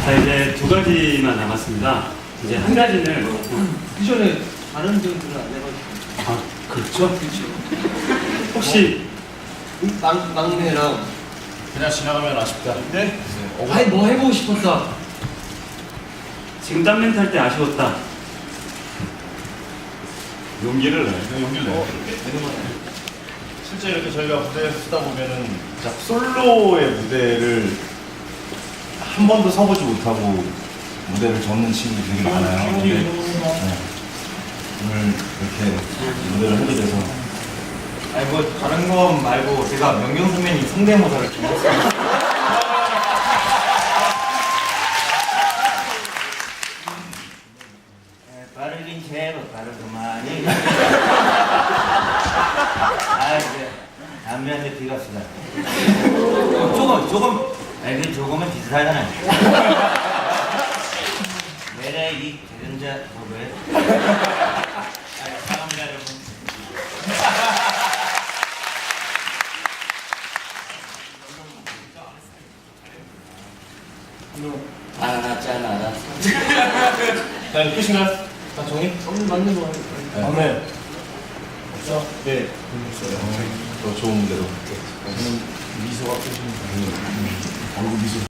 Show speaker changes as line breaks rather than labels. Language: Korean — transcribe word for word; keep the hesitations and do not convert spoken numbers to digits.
자, 이제 두 가지만 남았습니다. 이제 한 가지는
그 전에 다른 분들은 안 해가지고.
아, 그렇죠?
그렇죠.
혹시
막, 막내랑.
그냥 지나가면 아쉽다.
네? 아니, 뭐 해보고 싶었다.
지금 땀 멘트 할 때 아쉬웠다.
용기를 내. 용기를 내.
어,
실제 이렇게 저희가 무대에 쓰다 보면은 자, 솔로의 무대를 한 번도 서보지 못하고 무대를 접는 친구들이 되게 많아요. 근데 네. 오늘 이렇게 무대를 하게 돼서
아니 뭐 다른 건 말고 제가 명경 선배님 성대모사를 좀 했어요. 네, 빠르긴 제법 빠르구만이. 아 이제 담배한테 비갑시다. 조금 조금 아니 그 조금은 비슷하잖아요. 내래 이 대전자 뭐래? 사랑합니다 여러분. 알았잖아, 알았어.
자, 끝인가요? 다 정리?
오늘 맞는 거
네. 다음에 없어? 네. 더 좋은 무대로. 저는 미소가 끝입니다. 얼굴 미소.